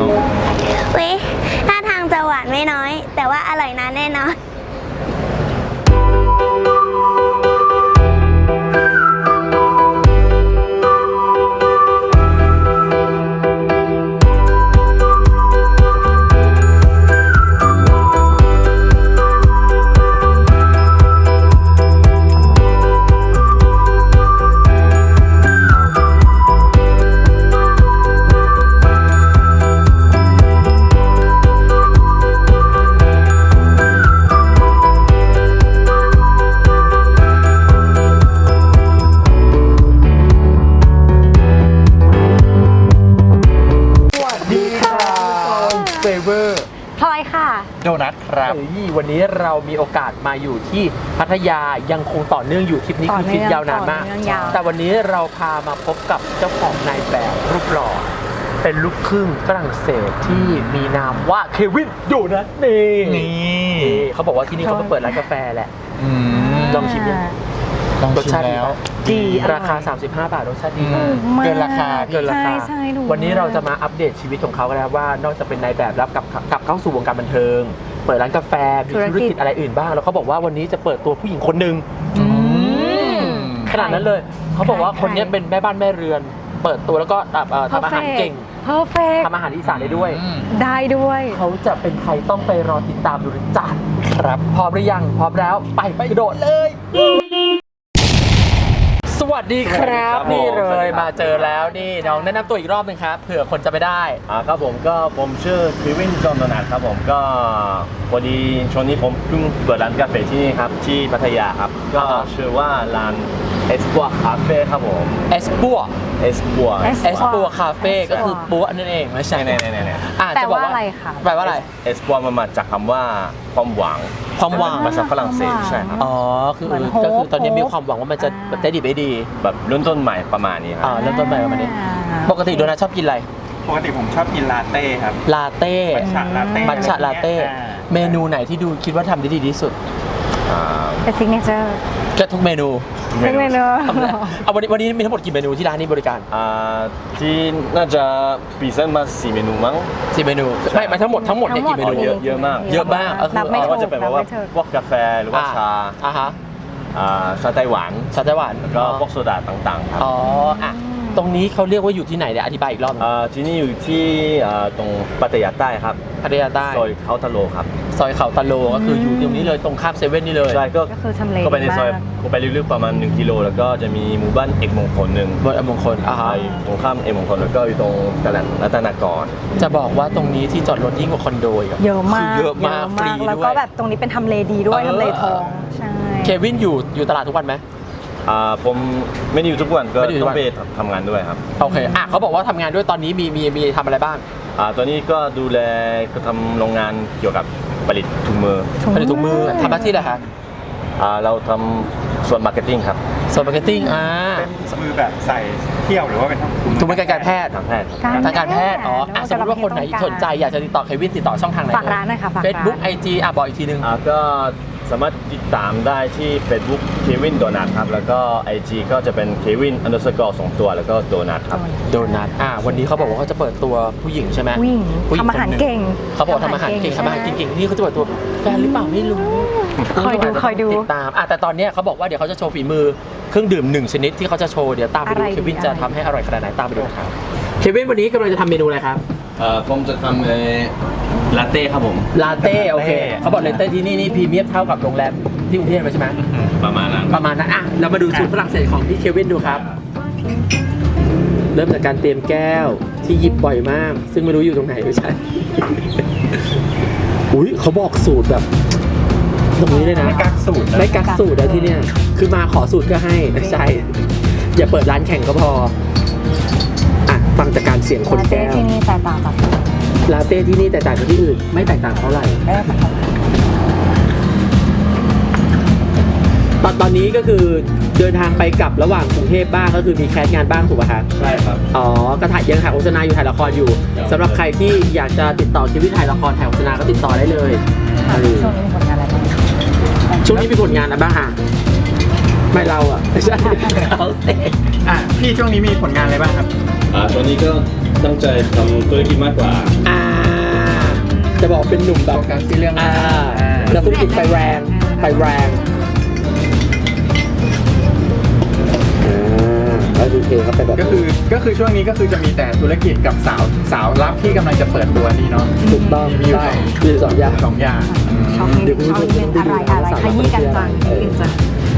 น้องเว้ยถ้าทางจะหวานไม่น้อย แต่ว่าอร่อยนะแน่นอนเฟเวอร์พลอยค่ะโดนัทครับวันนี้เรามีโอกาสมาอยู่ที่พัทยายังคงต่อเนื่องอยู่ทริปนี้คือทริปยาวนานมากแต่วันนี้เราพามาพบกับเจ้าของนายแบบรูปหล่อเป็นลูกครึ่งฝรั่งเศสที่มีนามว่าเควินโดนัทนี่เขาบอกว่าที่นี่เขาเปิดร้านกาแฟแหละลองชิมยังรสชาติแล้วดีราคา35 บาทรสชาติดีมากเกินราคาวันนี้เราจะมาอัปเดตชีวิตของเขากันแล้วว่านอกจากเป็นนายแบบแล้วกลับเข้าสู่วงการบันเทิงเปิดร้านกาแฟมีธุรกิจอะไรอื่นบ้างแล้วเขาบอกว่าวันนี้จะเปิดตัวผู้หญิงคนหนึ่งขนาดนั้นเลยเขาบอกว่าคนนี้เป็นแม่บ้านแม่เรือนเปิดตัวแล้วก็ทำอาหารเก่งทำอาหารอีสานได้ด้วยเขาจะเป็นใครต้องไปรอติดตามดูจ้ะครับพร้อมหรือยังพร้อมแล้วไปกระโดดเลยสวัสดีครับนี่เลยมาเจอแล้วนี่น้องแนะนำตัวอีกรอบนึงครับเผื่อคนจะไม่ได้ครับผมก็ผมชื่อเควินจอห์นโดนัทครับผมก็พอดีช่วงนี้ผมเพิ่งเปิดร้านกาแฟที่นี่ครับที่พัทยาครับก็ชื่อว่าร้านเอสปัวคาเฟ่ครับผมเอสปัวคาเฟ่ก็คือปัวนั่นเองไม่ใช่แปลว่าอะไรคะแปลว่าอะไรเอสปัวมันมาจากคำว่าความหวังภาษาฝรั่งเศสใช่ครับก็คือตอนนี้มีความหวังว่ามันจะได้ดีไม่ดีแบบเริ่มต้นใหม่ประมาณนี้ครับเริ่มต้นใหม่ประมาณนี้ปกติโดนัทชอบกินอะไรปกติผมชอบกินลาเต้ครับลาเต้มัทฉะลาเต้เมนูไหนที่ดูคิดว่าทำได้ดีที่สุดเป็นซิกเนเจอร์ก็ทุกเมนูเอาวันนี้มีทั้งหมดกี่เมนูที่ร้านนี้บริการที่น่าจะพรีเซนต์มา4 เมนูมั้ง 4 เมนูไม่ทั้งหมดเนี่ยกี่เมนูเยอะมากก็จะเป็นว่าพวกกาแฟหรือว่าชาชาไต้หวันแล้วก็พวกโซดาต่างๆครับตรงนี้เขาเรียกว่าอยู่ที่ไหนเนี่ยอธิบายอีกรอบที่นี่อยู่ที่ตรงพัทยาใต้ครับพัทยาใต้ซอยเขาตะโลครับซอยเขาตะโลก็คืออยู่ตรงนี้เลยตรงข้ามเซเว่นนี่เลยใช่ก็ไปในซอยก็ไปลึกๆประมาณ1 กิโลแล้วก็จะมีหมู่บ้านเอกมงคลหนึ่งมงคลตรงข้ามเอกมงคลแล้วก็อยู่ตรงตลาดรัตนากรจะบอกว่าตรงนี้ที่จอดรถยิ่งกว่าคอนโดเยอะมากฟรีด้วยแล้วก็แบบตรงนี้เป็นทำเลดีด้วยทำเลทองใช่เควินอยู่ตลาดทุกวันไหมผมไม่ได้อยู่ทุกวันก็ต้องไปทำงานด้วยครับโอเคเขาบอกว่าทำงานด้วยตอนนี้มีทำอะไรบ้างตอนนี้ก็ดูแลก็ทำโรงงานเกี่ยวกับผลิตถุงมือทำหน้าที่อะไรครับเราทำส่วนมาร์เก็ตติ้งครับส่วนมาร์เก็ตติ้งเป็นมือแบบใส่เที่ยวหรือว่าเป็นถุงมือการแพทย์ทางการแพทย์สมมติว่าคนไหนสนใจอยากจะติดต่อเควินติดต่อช่องทางไหนฝากร้านหน่อยค่ะเฟซบุ๊กIGบอกอีกทีนึงก็สามารถติดตามได้ที่ Facebook เควินโดนัทครับแล้วก็ IG ก็จะเป็น Kevin_2 ตัวแล้วก็โดนัทครับโดนัทวันนี้เขาบอกว่าเขาจะเปิดตัวผู้หญิงใช่ไหมผู้หญิงทำอาหารเก่งเขาบอกทำอาหารเก่งนี่เขาจะเปิดตัวแฟนหรือเปล่าไม่รู้คอยดูติดตามแต่ตอนนี้เขาบอกว่าเดี๋ยวเขาจะโชว์ฝีมือเครื่องดื่ม1 ชนิดที่เขาจะโชว์เดี๋ยวตามไปดูเควินจะทำให้อร่อยขนาดไหนตามไปดูนะครับเควินวันนี้กำลังจะทำเมนูอะไรครับผมจะทำลาเต้ครับผมลาเต้โอเคเขาบอกลาเต้ที่นี่พรีเมียมเท่ากับโรงแรมที่กรุงเทพใช่ไหมประมาณนั้นเรามาดูสูตรฝรั่งเศสของพี่เควินดูครับเริ่มจากการเตรียมแก้วที่หยิบบ่อยมากซึ่งไม่รู้อยู่ตรงไหนไม่ใช่เขาบอกสูตรแบบตรงนี้เลยนะไม่กักสูตรเลยที่เนี่ยคือมาขอสูตรก็ให้ไม่ใช่อย่าเปิดร้านแข่งก็พอฟังจากการเสียงคนแก้วที่นี่แตกต่างจากลาเต้ที่นี่แตกต่างจากที่อื่นไม่แตกต่างเท่าไหร่ตอนนี้ก็คือเดินทางไปกลับระหว่างกรุงเทพบ้างก็คือมีแคสงานบ้างถูกป่ะครับใช่ครับก็ยังถ่ายโฆษณาอยู่ถ่ายละครอยู่สำหรับใครที่อยากจะติดต่อชีวิตถ่ายละครถ่ายโฆษณาก็ติดต่อได้เลยช่วงนี้มีผลงานอะไรบ้างไม่เราไม่ใช่เขาพี่ช่วงนี้มีผลงานอะไรบ้างครับตอนนี้ก็ตั้งใจทำธุรกิจมากกว่าจะบอกเป็นหนุ่มแบบโฟกัสที่เรื่องนักธุรกิจไปแรงแล้วดูเพลงเขาไปแบบก็คือช่วงนี้ก็คือจะมีแต่ธุรกิจกับสาวรับที่กำลังจะเปิดตัวนี่เนาะถูกต้องมีอยู่ใช่มีอยู่สองอย่างสองอย่างช็อปเดี๋ยวคุณผู้ชมเป็นอะไรขยี้กันจังกันจัง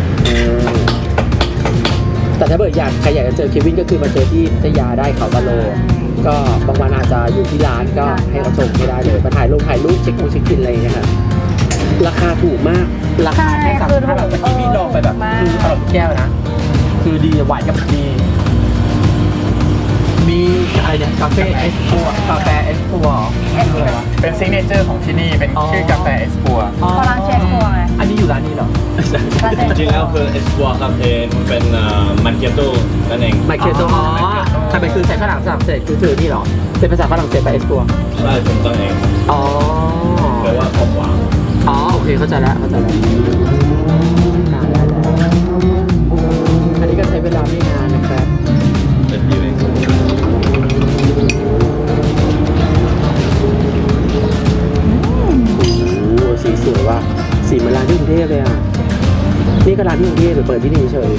แต่ถ้าเกิดใครอยากจะเจอเควินก็คือมาเจอที่พัทยาได้เขาตะโล ก็บางวันอาจจะอยู่ที่ร้านก็ให้เขาชมไม่ได้เลยมาถ่ายรูปเช็คกินอะไรอย่างเงี้ยครับราคาถูกมากราคาแค่3,500บาทเมื่อกี้พี่ลองไปแบบคืออร่อยทุกแก้วนะคือดีหวานกับดีมีอะไรเนี่ยกาแฟเอสปัวเป็นซิกเนเจอร์ของที่นี่เป็นชื่อกาแฟเอสปัวพอร้านเชฟครัวไงอันนี้อยู่ร้านนี้เหรอจริงๆแล้วคือเอสปัวครับเป็นมันเกียโต้นั่นเองไมเคโตแต่เป็นคือใช้ฝรั่งเศสคือนี่เหรอเป็นภาษาฝรั่งเศสไปเอสปัวใช่ผมต้องเองอ๋อแปลว่าของหวานอ๋อโอเคเข้าใจแล้วอันนี้ก็ใช้เวลาไม่นานนะครับเป็นยูเองโอ้สีสวยว่ะสีเหมือนร้านที่กรุงเทพเลยอ่ะนี่ก็ร้านที่กรุงเทพหรือเปิดที่นี่เฉย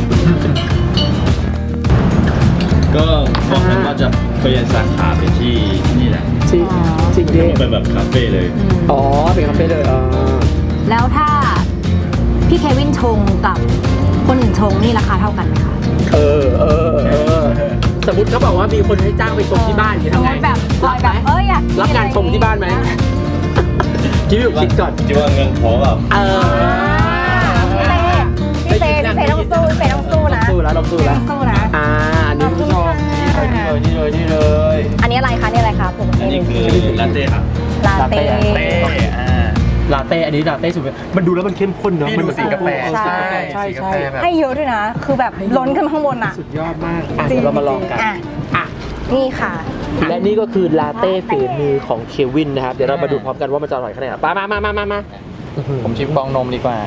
ก็บอกกันว่าจะเปลี่ยนสาขาไปที่นี่แหละที่กรุงเทพเป็นแบบคาเฟ่เลยอ๋อเป็นคาเฟ่เลยอ๋อแล้วถ้าพี่เควินชงกับคนอื่นชงนี่ราคาเท่ากันไหมคะสมมติเขาบอกว่ามีคนให้จ้างไปชมที่บ้านอย่างนี้ทำไงแบบอยากรับงานชมที่บ้านไหมคิดอยู่คิดก่อนคิดว่าเงินพอแบบพี่เต้ต้องสู้นะสู้แล้วสู้นะอันนี้คุณผู้ชมนี่เลยอันนี้อะไรคะผมอันนี้คือลาเต้ครับลาเต้ลาเต้อันนี้ลาเต้สุดมันดูแล้วมันเข้มข้นเนาะนี่ดูสีกาแฟใช่สีกาแฟแบบให้เยอะด้วยนะ คือแบบล้นขึ้นมาข้างบนอ่ะสุดยอดมากเดี๋ยวเรามาลองกันอ่ะนี่ค่ะและนี่ก็คือลาเต้ฝีมือของเควินนะครับเดี๋ยวเรามาดูพร้อมกันว่ามันจะอร่อยขนาดไหนมาผมชิมฟองนมดีกว่า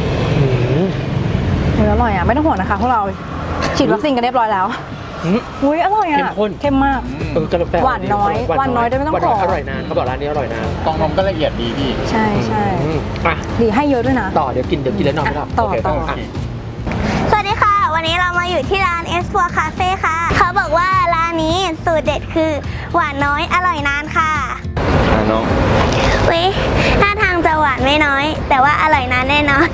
อร่อยอ่ะไม่ต้องห่วงนะคะพวกเราฉีดวัคซีนกันเรียบร้อยแล้วอุ้ยอร่อยอ่ะเข้มข้นเข้มมากกาแฟหวานน้อยด้วยไม่ต้องขออร่อยนานเขาบอกร้านนี้อร่อยนานฟองนมก็ละเอียดดีพี่ใช่อ่ะดีให้เยอะด้วยนะต่อเดี๋ยวกินแล้วนอนไม่หลับต่อโเคต่ออ่ะสวัสดีค่ะ วันนี้เรามาอยู่ที่ร้านเอสปัวคาเฟ่ค่ะ เขาบอกว่าร้านนี้สูตรเด็ดคือหวานน้อยอร่อยนานค่ะน้องวิท่าทางจะหวานไม่น้อย แต่ว่าอร่อยนานแน่นอน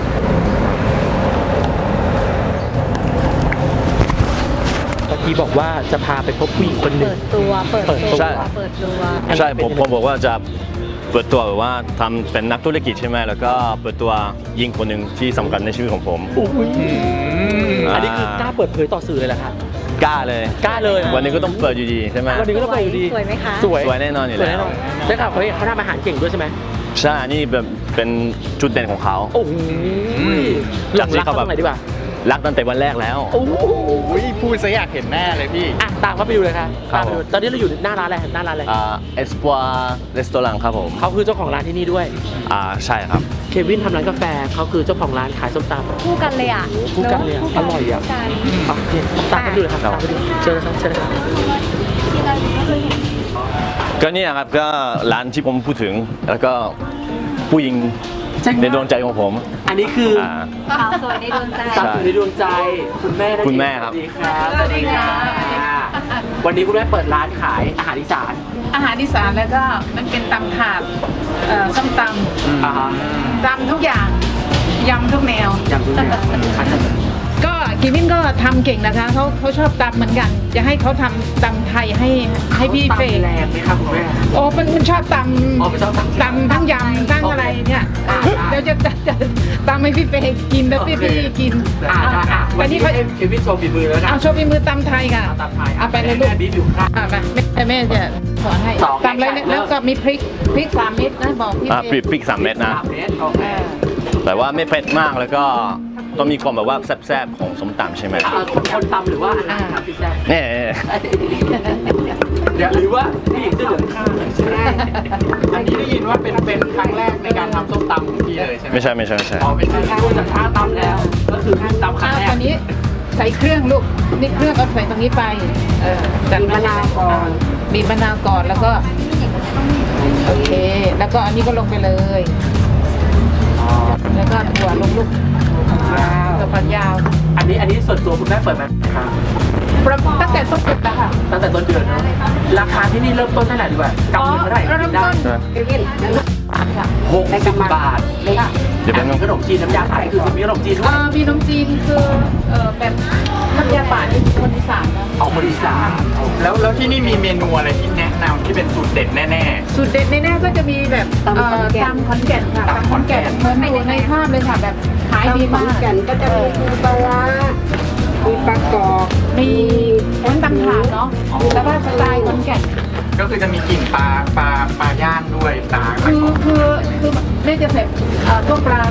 เมื่อกี้บอกว่าจะพาไปพบผู้หญิงคนหนึ่งเปิดตัวใช่ผมบอกว่าจะเปิดตัวแบบว่าทำเป็นนักธุรกิจใช่ไหมแล้วก็เปิดตัวยิงคนหนึ่งที่สำคัญในชีวิตของผมอันนี้คือกล้าเปิดเผยต่อสื่อเลยเหรอคะกล้าเลยกล้าเลยวันนี้ก็ต้องเปิดอยู่ดีใช่ไหมวันนี้ก็ต้องไปอยู่ดีสวยไหมคะสวยสวยแน่นอนอยู่สวยแล้แน่วนอนได้ข่าวเขาทำอาหารเก่งด้วยใช่ไหมใช่อันนี่แบบเป็นจุดเด่นของเขาโอ้โหจากที่เขาแบบตรงไหนดีกว่ารักตั้งแต่วันแรกแล้วโอ้โหพูดซะอยากเห็นหน้าเลยพี่อ่ะตามเขาไปดูเลยค่ะครับตามไปดูตอนนี้เราอยู่หน้าร้านอะไรเอสปัวรีสตอรังครับผมเขาคือเจ้าของร้านที่นี่ด้วยใช่ครับเควินทำร้านกาแฟเขาคือเจ้าของร้านขายส้มตำคู่กันเลยอ่ะคู่กันเลยอะอร่อยอ่ะเนี่ยตามไปดูเลยครับตามไปดูเชิญนะครับก็เนี่ยครับก็ร้านที่ผมพูดถึงแล้วก็ผู้หญิงในดวงใจของผมอันนี้คือสาวสวยในดวงใจสาวอยู่ในดวงใจคุณแม่นั่นเองคุณแม่ครับสวัสดีครับสวัสดีค่ะวันนี้คุณแม่เปิดร้านขายอาหารอีสานอาหารอีสานแล้วก็มันเป็นตำถาดส้มตอ่าฮะำตำทุกอย่างยำทุกแนวอย่างคุณแม่อันนั้นก็กิมินก็ทำเก่งนะคะเขาชอบตำเหมือนกัน จะให้เขาทำตำไทยให้พี่เฟแรงไหมครับคุณแม่โอ้มันชอบตอ๋อมันชอบตำำทั้งยำทั้งอะไรเนี่ยเดี๋ยวจะตำให้พี่เฟกินแล้วพี่กินวัแต่นนี้นี่เขาเควินโชว์ฝีมือแล้วนะเอาโชว์ฝีมือตำไทยค่ะตำไทยเอาไปเลยลูกแม่บีบอยู่ข้างแม่จะสอนให้สองตำเลยแล้วก็มีพริก3 เม็ดนะบอกพี่เฟพริก3 เม็ดนะ 3 เมตรโอเคแต่ว่าไม่เผ็ดมากแล้วก็ต้องมีความแบบว่าแซ่บๆของส้มตำใช่ไหมคนตำหรือว่าอาหารครับพี่แซ่บเนี่ยหรือว่าผู้หญิงเสื้อเหลืองข้างใช่อันนี้ได้ยินว่าเป็นครั้งแรกในการทำส้มตำของพี่เลยใช่ไหมไม่ใช่อ๋อเป็นการดูจากท่าตำแล้ว ก็คือท่าตำครั้งแรกตอนนี้ใส่เครื่องลูกนี่เครื่องเอาใส่ตรงนี้ไปจัดบีบมะนาวก่อนบีบมะนาวก่อนแล้วก็โอเคแล้วก็อันนี้ก็ลงไปเลย แล้วก็ถั่วลงลูกถั่วฝักยาวอันนี้ส่วนตัวคุณแม่เปิดมาครับตั้งแต่ต้นเดือนแล้วค่ะตั้งแต่ต้นเดือนเนอะราคาที่นี่เริ่มต้นเท่าไหร่ดีกว่ากำเงินเท่าไหร่เริ่กิมนได้ต้นค่ะ 60 บาทค่ะเดี๋ยวแป๊บนึงขนมจีนน้ำยาไทยคือมีขนมจีนด้วยมีน้ำจีนคือแบบน้ำยาป่านี่คนอีสานนะเอาคนอีสานแล้วที่นี่มีเมนูอะไรที่แนะนำที่เป็นสูตรเด็ดแน่สูตรเด็ดแน่ๆก็จะมีแบบตำขอนแก่นค่ะตำขอนแก่นเหมือนอยู่ในภาพเลยค่ะแบบขายดีมากก็จะมีปูปลาร้ามีปลากรอบมีทั้งตำถาดเนาะแล้วก็สไตล์ขอนแก่นๆ ก็คือจะมีกลิ่นปลาย่างด้วยปลาคือแม่จะใส่พวกปลา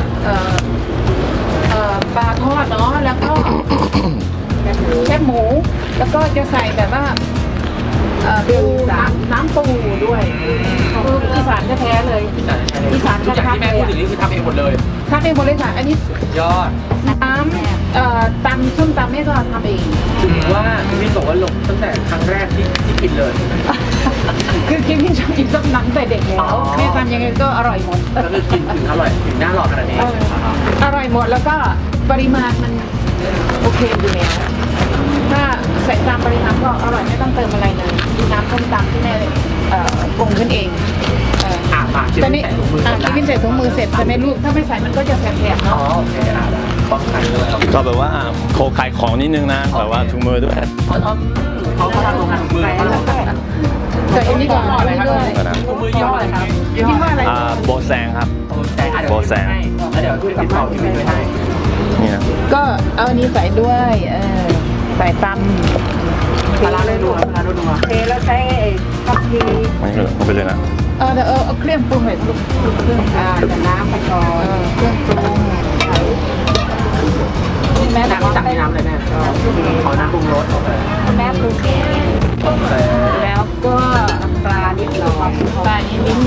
ปลาทอดเนาะแล้วก็แคบหมูแล้วก็จะใส่แบบว่าปูน้ำปูด้วยคืออีสานแท้ๆเลยอีสานทุกอย่างชัดที่ๆแม่เลยพูดถึงนี่คือทำเองหมดเลยทำเองหมดเลยค่ะอันนี้ยอดน้ำตำส้มตำแม่ก็ทำเองถึงว่าพี่วินบอกว่าลงตั้งแต่ครั้งแรกที่กินเลยคือกินที่ชอบกินส้มตำแต่เด็กแล้อ๋วอแม่ทำยังไงก็อร่อยหมดก็คือกินถึงอร่อยถึงหน้าหลอดขนาดนี้อร่อยหมดแล้วก็ปริมาณมันโอเคอยู่แล้วถ้าใส่ตามปริมาณก็อร่อยไม่ต้องเติมอะไรเลยมีน้ำส้มตำที่แม่ปรุงขึ้นเองชิมตอนนี้ใส่ถุงมือที่พินใส่ถุงมือเสร็จใช่ไหมลูกถ้าไม่ใส่มันก็จะแสบๆอ๋อเนาะโอเคป้องกันด้วยก็แบบว่าโคขายของนิดนึงนะแบบว่าถุงมือด้วยเขาทำโรงงานถุงมือเขาทำใส่อันนี้ก่อนอันนี้ด้วยถุงมือยี่ห้ออะไรครับคิดว่าอะไรโบแซงครับโบแซงแล้วเดี๋ยวช่วยติดต่อพี่วินไว้ให้นี่นะก็เอาอันนี้ใส่ด้วยใส่ตำปลาร้าด้วยนัวปลาร้าด้วยนัวเทแล้วใช้ทัพพีมันก็เอาไปเลยนะเดี๋ยวเอาเครื่องปรุงหน่อยลูกเครื่องแต่น้ำไปก่อนเครื่องปรุงแม่น้ำตักในน้ำเลยแม่ขอน้ำปรุงรสแม่ปรุงเองแล้วก็ปลานิดหน่อยปลานิดนึง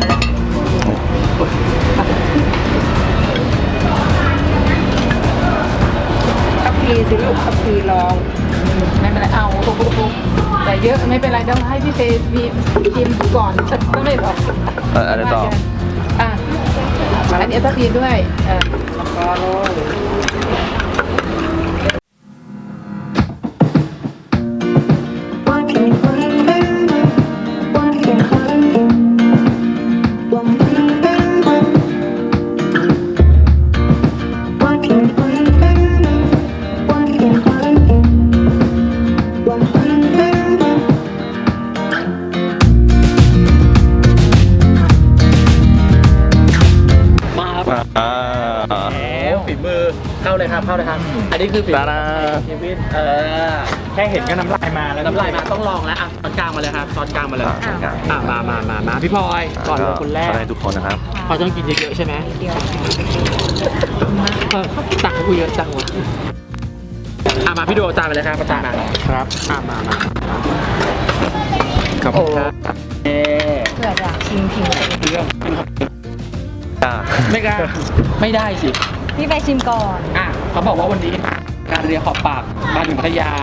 ทัพพีสิลูกทัพพีลองไม่เป็นไรเอาแต่เยอะไม่เป็นไรเดี๋ยวให้พี่เฟย์ชิมก่อนก็ไม่บอกอะไรต่ออันนี้ทัพพีด้วยก็โรยมาครับแล้วฝีมือเข้าเลยครับเข้าเลยครับ อันนี้คือฝีมืตาดาพี่วินแค่เห็นก็น้ำลายมาแล้วน้ำลายมาต้องลองแล้วอ่ะตอนกลางมาเลยครับตอนกลางมาเลยมาพี่พลอยก่อนเลยคนแรกให้ทุกคนนะครับพอต้องกินเยอะๆใช่ไหมตักให้กูเยอะจังวะมาพี่โดจานไปเลยครับประจานมาครับมาครับโอ้เอ๊เผื่ออยากชิมผิวไม่กล้าไม่ได้สิพี่ไปชิมก่อนเขาบอกว่าวันนี้การเรียนขอบปากมาถึงพัทยา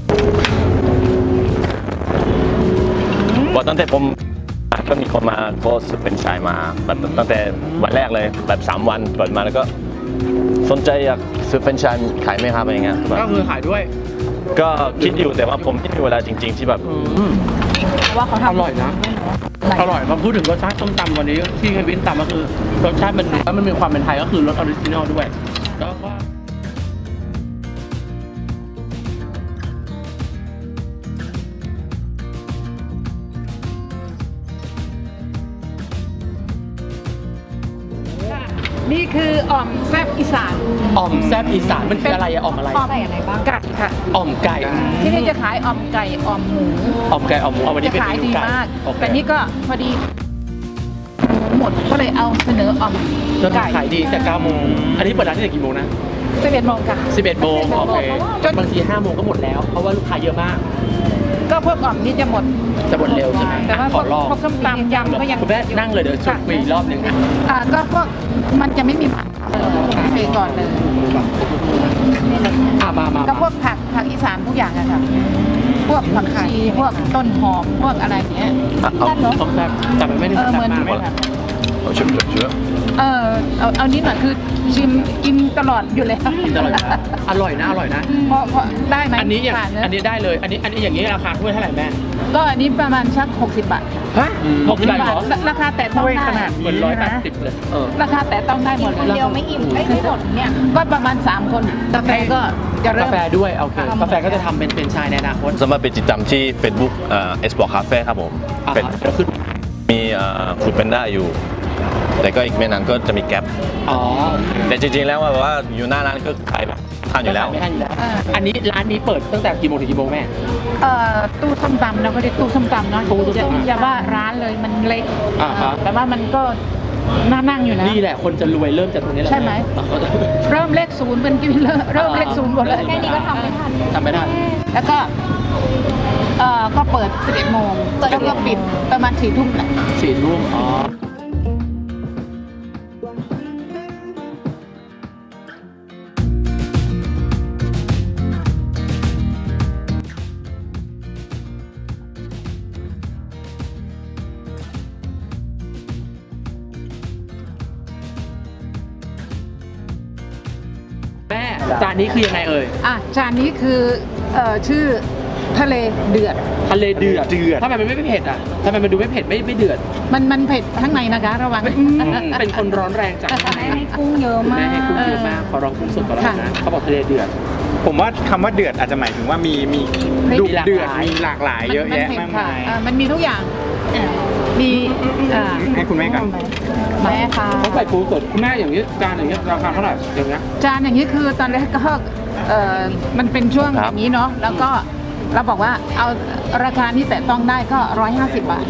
บอกตั้งแต่ผมก็มีคนมาโพสต์เป็นชายมาแบบตั้งแต่วันแรกเลยแบบ3 วันเปิดมาแล้วก็สนใจอยากซื้อเป็นชายขายไหมครับอะไรเงี้ยแบบก็คือขายด้วยก็คิดอยู่แต่ว่าผมไม่มีเวลาจริง ๆ ที่แบบเพราะว่าเขาทำอร่อยนะ อร่อยมาพูดถึงรสชาติส้มตำวันนี้ที่เควินตำก็คือรสชาติมันแล้วมันมีความเป็นไทยก็คือรสออริจินอลด้วยแล้วก็นี่คืออ่อมแซ่บอีสานอ่อมแซ่บอีสานมันคืออะไรอะอ่อมอะไรอ่อมอะไรบ้างไก่ค่ะอ่อมไก่ที่นี่จะขายอ่อมไก่อ่อมหมูอ่อมไก่อ่อมหมูเอาวันนี้จะเป็นขายเมนูดีไก่มากโอเคแต่นี่ก็พอดีหมดก็เลยเอาเสนออ่อมแล้วไก่ขายดีแต่9 โมงอันนี้เปิดร้านที่ไหนกี่โมงนะ 11 โมงค่ะ 11 โมงโอเคบางที5 โมงก็หมดแล้วเพราะว่าลูกค้าเยอะมากก็พวกอ่อมนี่จะหมดจะหมดเร็วใช่ไหมแต่ว่าขอลองพวกส้มตำยำก็ยังคุณแม่นั่งเลยเดี๋ยวชวนคุยอีกรอบหนึ่งก็พวกมันจะไม่มีผักเทก่อนเลยมาก็พวกผักอีสานทุกอย่างอะค่ะพวกผักชีพวกต้นหอมพวกอะไรเงี้ยต้องแบบแต่มันไม่ได้เหมือนมากเหมือนเอาชิมเชื้อเอานิดหน่อยคือชิมกินตลอดอยู่เลยกินตลอดอยู่แล้วอร่อยนะเพราะได้ไหมอันนี้อย่างผ่เะอันนี้ได้เลยอันนี้อย่างนี้ราคาถ้วยเท่าไหร่แม่ก็อันนี้ประมาณชัก60 บาทฮะ60 บาทเหรอราคาแต่ต้องได้เหมือน180เลยราคาแต่ต้องได้หมดเลยคนเดียวไม่อิ่มไม่หมดเนี่ยก็ประมาณ3 คนกาแฟก็จะเริ่กาม แฟด้วยโอเคกาแฟก็จะทำเป็นชายในอนาคตสามารถไปติดตามที่ Facebook Export Cafe ครับผม เป็นคือมีฟูดเป็นได้อยู่ แต่ก็อีกไม่นานก็จะมีแก๊ปอ๋อแต่จริงๆแล้วว่าอยู่หน้าร้านก็ขายแบบทานอยู่แล้วไม่ทันอยู่แล้วอันนี้ร้านนี้เปิดตั้งแต่กี่โมงถึงกี่โมงแม่ตู้ส้มตำเราก็เรียกตู้ส้มตำเนาะตู้ส้มตำอย่าว่าร้านเลยมันเล็กฮะแต่ว่ามันก็น่านั่งอยู่นะนี่แหละคนจะรวยเริ่มจากตรงนี้แหละใช่ไหม เริ่มเลข0เป็นกินเริ่มเลข0หมดเลยแค่นี้ก็ทำไม่ทันทำไม่ได้แล้วก็ก็เปิด 11 โมงแล้วก็ปิดประมาณ4 ทุ่มแหละ 4 ทุ่มอ๋อแม่จานนี้คือยังไงเอ่ยจานนี้คือชื่อทะเลเดือดทะเลเดือดทำไมมันไม่เผ็ดอ่ะทำไมมันดูไม่เผ็ดไม่เดือดมันเผ็ดข้างในนะคะระวังเป็นคนร้อนแรงจากข้างในให้กุ้งเยอะมากแม่ให้กุ้งเยอะมากขอลองกุ้งสดก่อนแล้วกันนะเขาบอกทะเลเดือดผมว่าคำว่าเดือดอาจจะหมายถึงว่ามีดุดุเดือดมีหลากหลายเยอะแยะผ็มาดกค่ะมายมันมีทุกอย่างมีให้คุณแม่ก่อนแม่ค่ะเขาใส่ปูสดคุณแม่อย่างนี้จานอย่างนี้ราคาเท่าไหร่อย่างเงี้ยจานอย่างนี้คือตอนแรกก็มันเป็นช่วงคอรับย่างนี้เนาะแล้วก็เราบอกว่าเอาราคานี้แต่ต้องได้ก็150 บาท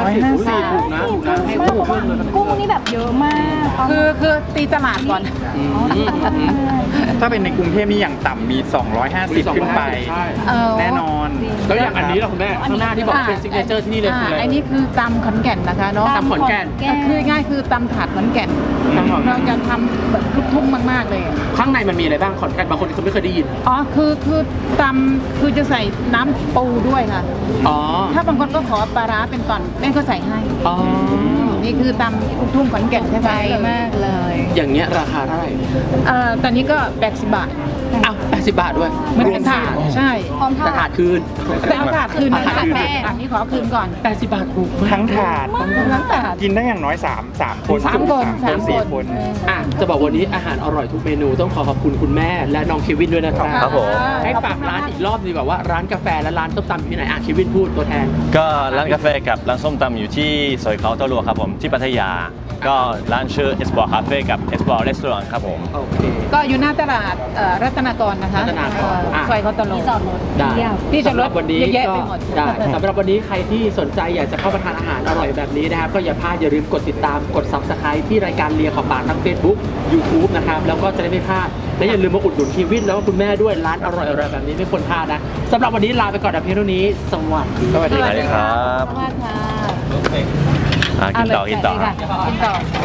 150ถูกนะให้ถูกขึ้นเลยกุ้งนี่แบบเยอะมากคือตีตลาดก่อนถ้าเป็นในกรุงเทพนี่อย่างต่ำมี 250 ขึ้นไปใช่แน่นอนแล้วอย่างอันนี้ล่ะคุณแม่ข้างหน้าที่บอกเป็นซิกเนเจอร์ที่นี่เลยคืออะไรอันนี้คือตำขอนแก่นนะคะเนาะตำขอนแก่นคือง่ายคือตำถาดขอนแก่นตำขอนแก่นเราจะทำแบบลูกทุ่งมากๆเลยข้างในมันมีอะไรบ้างขอนแก่นบางคนเขาไม่เคยได้ยินอ๋อคือตำคือจะใส่น้ำปูด้วยค่ะอ๋อถ้าบางคนก็ขอปลาร้าเป็นตอนแม่ก็ใส่ให้อ๋อนี่คือตำลูกทุ่งขอนแก่นใช่ไหมมากเลยอย่างเงี้ยราคาเท่าไหร่ตอนนี้ก็80 บาทอ้าว80 บาทด้วยมันเป็นถาดใช่พร้อมทาแต่ถาดคืนแต่เอาถาดคืนนะถาดคืนอันนี้ขอคืนก่อน 80 บาทถูกมากทั้งถาดทั้งถาดกินได้อย่างน้อย3 คนสามคน 4 คนจะบอกวันนี้อาหารอร่อยทุกเมนูต้องขอขอบคุณคุณแม่และน้องเควินด้วยนะครับครับผมให้ฝากร้านอีกรอบดีกว่าว่าร้านกาแฟและร้านส้มตำอยู่ที่ไหนเควินพูดตัวแทนก็ร้านกาแฟกับร้านส้มตำอยู่ที่ซอยเขาเต้ารัวครับผมที่พัทยา ก็ร้านชื่อ Export Cafe กับ Export Restaurant ครับผมโอเคก็อยู่หน้าตลาดรัตนากรนะคะรัตนากรซอยเขาตะโลที่จอดรถได้ที่จอดรถสำหวันนี้เยอะแยะก็ไปหมดได้สำหรับวันนี้ใครที่สนใจอยากจะเข้ามาทานอาหารอร่อยแบบนี้นะครับก็อย่าพลาดอย่าลืมกดติดตามกด Subscribe ที่รายการเลียขอบปากทั้ง Facebook YouTube นะครับแล้วก็จะได้ไม่พลาดและอย่าลืมมาอุดหนุนเควินแล้วก็คุณแม่ด้วยร้านอร่อยๆแบบนี้ไม่ควรพลาดนะสำหรับวันนี้ลาไปก่อนแต่เพียงเท่านี้สวัสดีสวัสดีครับสวัสดีค่ะกินต่อกินต่อ